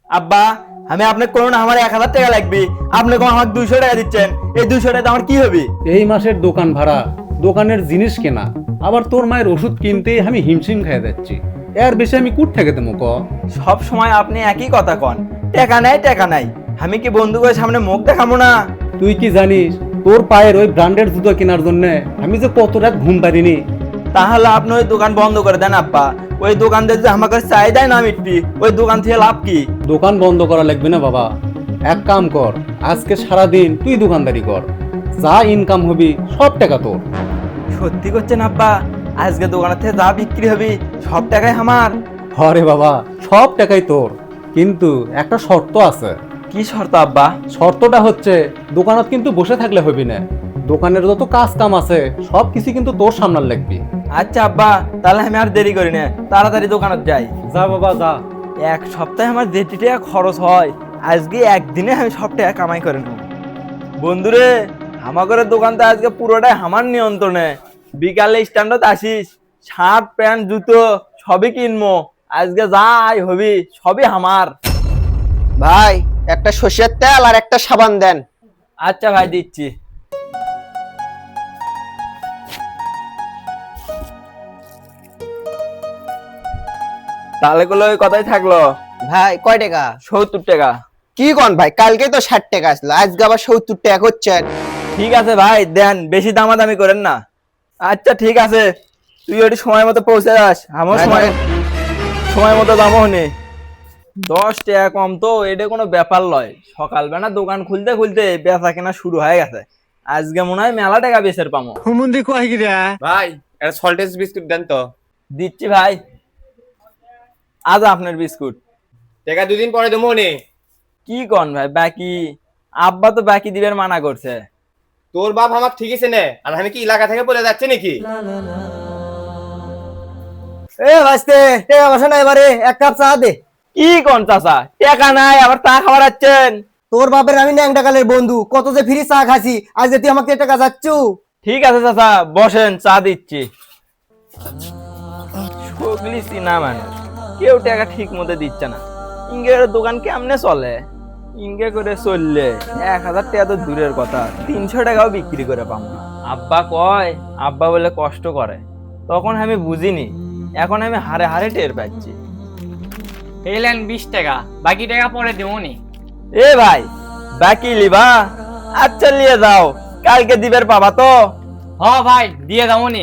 আব্বা, আমি আপনাকে কোনো না আমার 1,000 টাকা লাগবে, আপনি কোন আমাকে 200 টাকা দিচ্ছেন, এই 200 টাকা আমার কি হবে? এই মাসের দোকান ভাড়া, দোকানের জিনিস কেনা, আবার তোর মায়ের ওষুধ কিনতেই আমি হিমশিম খেয়ে যাচ্ছি। এর বেশি আমি কুট থেকে দেবো ক? সব সময় আপনি একই কথা কন, টাকা নাই টাকা নাই। আমি কি বন্ধুদের সামনে মুখ দেখাবো না? তুই কি জানিস তোর পায়ের ওই ব্র্যান্ডের জুতো কেনার জন্য আমি যে কত রাত ঘুম পারিনি? তাহলে আপনি ওই দোকান বন্ধ করে দেন আব্বা। ওই দোকানদার যে আমাকে চাহিদাই না মিটবি, ওই দোকান থেকে লাভ কি? দোকান বন্ধ করা লাগবে না বাবা, এক কাম কর, আজকে সারাদিন তুই দোকানদারি কর, যা ইনকাম হবি সব টাকা তোর। সত্যি করছেন আব্বা? আজকে দোকানের থেকে যা বিক্রি হবে সব টাকাই আমার? হরে বাবা, সব টাকাই তোর, কিন্তু একটা শর্ত আছে। কি শর্ত আব্বা? শর্তটা হচ্ছে দোকানত কিন্তু বসে থাকলে হবি না, দোকানের যত কাজ কাম আছে সব কিছু কিন্তু তোর সামনে লাগবি। আচ্ছা আব্বা, তাহলে আমি আর দেরি করি না, তাড়াতাড়ি দোকানত যাই। যা বাবা যা। এক সপ্তাহে আমার যেটি টাকা খরচ হয়, আজকে একদিনে আমি সব টাকা কামাই করে নেব। বন্ধুরে, আমাদের দোকানটা আজকে পুরোটাই আমার নিয়ন্ত্রণে। বিকালে স্ট্যান্ডত আসিস, শার্ট প্যান্ট জুতো সবই কিনবো। আজকে যাই হবি সবই আমার। ভাই, একটা সর্ষের তেল আর একটা সাবান দেন। আচ্ছা ভাই, দিচ্ছি। তাহলে গুলো ওই কথাই থাকলো। ভাই কয় টাকা? 70 টাকা। কি কোন ভাই, কালকে তো 60 টাকা আসলো, আজকে আবার 70 টাকা করছেন। ঠিক আছে ভাই, দেন, বেশি দামাদামি করেন না। আচ্ছা ঠিক আছে, তুই ওটি সময় মতো পৌঁছে যাস, আমার ভাই, সময় ধরেন। সময় মতো দামও নে। 10 টাকা কম তো এটা কোনো ব্যাপার লয়। সকালবেলা দোকান খুলতে খুলতে বেচা কেনা শুরু হয়ে গেছে। আজকে মনে হয় মেলা টাকা বেচের পামো। ভাই একটা সল্টেজ বিস্কুট দেন তো। দিচ্ছি ভাই, আজ আপনার বিস্কুট। টাকা 2 দিন পরে দেবো নে। কি কন ভাই, বাকি? আব্বা তো বাকি দিবেন মানা করছে। তোর বাপ আমার ঠিক আছে নে, আর আমি কি এলাকা থেকে বলে যাচ্ছে নাকি? এ বাস্তে, টাকা বসে না, এবারে এক কাপ চা দে। কি কন চাচা, টাকা নাই আবার তা খাবার আছেন? তোর বাপের আমি ন্যাংটা কালের বন্ধু, কত যে ফ্রি চা খাসি, আজ তুই আমাকে টাকা যাচ্ছু। ঠিক আছে চাচা, বসেন, চা দিচ্ছি। সগলি চিনা মানুষ, কেউ টাকা ঠিক মতো দিচ্ছে না। ইঙ্গের দোকান কেমনে চলে? ইঙ্গে করে চললে 1,000 টাকা তো দূরের কথা, 300 টাকাও বিক্রি করে পাবো না। আব্বা কয়, আব্বা বলে কষ্ট করে, তখন আমি বুঝিনি, এখন আমি হারে হারে টের পাচ্ছি। এলেন 20 টাকা, বাকি টাকা পরে দেবো নি। এ ভাই, বাকি লিবা? আচ্ছা নিয়ে যাও, কালকে দিবের পাবা তো। হ ভাই, দিয়ে যাবো নি।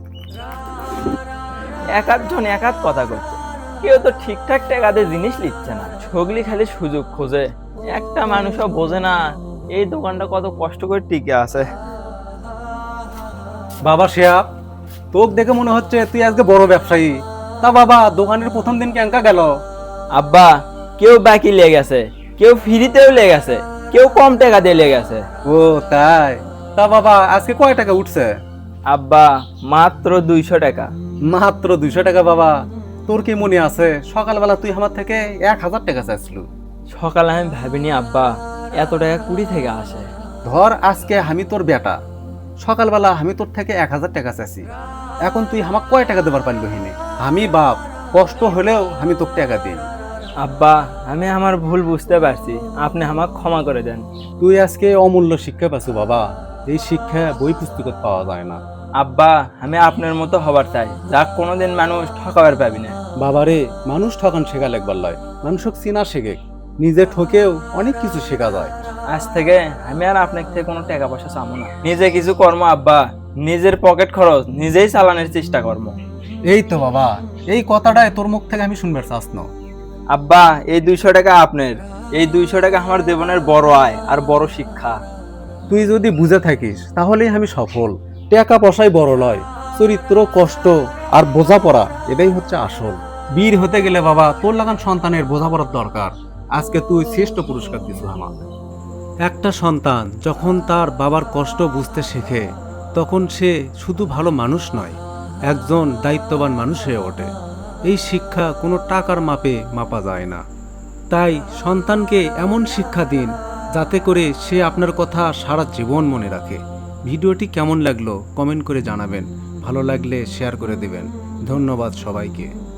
এক আধজন এক আধ কথা করছে, কেউ তো ঠিকঠাক টাকাতে জিনিস নিচ্ছে না। সগলি খালি সুযোগ খোঁজে, একটা মানুষও বোঝে না এই দোকানটা কত কষ্ট করে টিকে আছে। বাবা শেয়াব, তোকে দেখে মনে হচ্ছে তুই আজকে বড় ব্যবসায়ী। তা বাবা, দোকানের প্রথম দিন কেঙ্কা গেল? আব্বা, কেউ বাকি লেগে গেছে, কেউ ফ্রিতেও লেগে গেছে, কেউ কম টাকা দিয়ে লেগে গেছে। ও তাই? তা বাবা, আজকে কয় টাকা উঠছে? আব্বা, মাত্র 200 টাকা। মাত্র 200 টাকা? বাবা, তোর কি মনে আছে সকালবেলা তুই আমার থেকে 1,000 টাকা চাইছিল? সকালে আমি ভাবিনি আব্বা এত টাকা কুড়ি থেকে আসে। ধর আজকে আমি তোর বেটা, সকালবেলা আমি তোর থেকে 1,000 টাকা চাইছি, এখন তুই আমাকে কয় টাকা দেবার পারলি হিনে? আমি বাপ, কষ্ট হলেও আমি তোকে টাকা দিই। আব্বা, আমি আমার ভুল বুঝতে পারছি, আপনি আমাকে ক্ষমা করে দেন। তুই আজকে অমূল্য শিক্ষা পাচ্ছ বাবা, এই শিক্ষা বই পুস্তকত পাওয়া যায় না। আব্বা, আমি আপনার মতো হবার চাই, যা কোনোদিন মানুষ ঠকাবার পাবি না। বাবারে, মানুষ ঠকান শেখা লাগবার লয়, মানুষক চিনা শেখে, নিজে ঠকেও অনেক কিছু শেখা যায়। আজ থেকে আমি আর আপনার থেকে কোনো টাকা পয়সা চাবো না, নিজে কিছু কর্ম আব্বা, নিজের পকেট খরচ নিজেই চালানোর চেষ্টা করবো। এই তো বাবা, এই কথাটাই তোর মুখ থেকে আমি শুনবার চাস না। আব্বা, এই 200 টাকা আপনার, এই 200 টাকা আমার জীবনের বড় আয় আর বড় শিক্ষা। তুই যদি বুঝে থাকিস তাহলেই আমি সফল। টাকা পয়সাই বড় লয়, চরিত্র, কষ্ট আর বোঝাপড়া এটাই হচ্ছে আসল। বীর হতে গেলে বাবা তোর লাগান সন্তানের বোঝাপড়ার দরকার। আজকে তুই শ্রেষ্ঠ পুরস্কার দিস আমার। একটা সন্তান যখন তার বাবার কষ্ট বুঝতে শেখে, তখন সে শুধু ভালো মানুষ নয়, একজন দায়িত্ববান মানুষ হয়ে ওঠে। এই শিক্ষা কোনো টাকার মাপে মাপা যায় না। তাই সন্তানকে এমন শিক্ষা দিন যাতে করে সে আপনার কথা সারা জীবন মনে রাখে। ভিডিওটি কেমন লাগলো কমেন্ট করে জানাবেন, ভালো লাগলে শেয়ার করে দেবেন। ধন্যবাদ সবাইকে।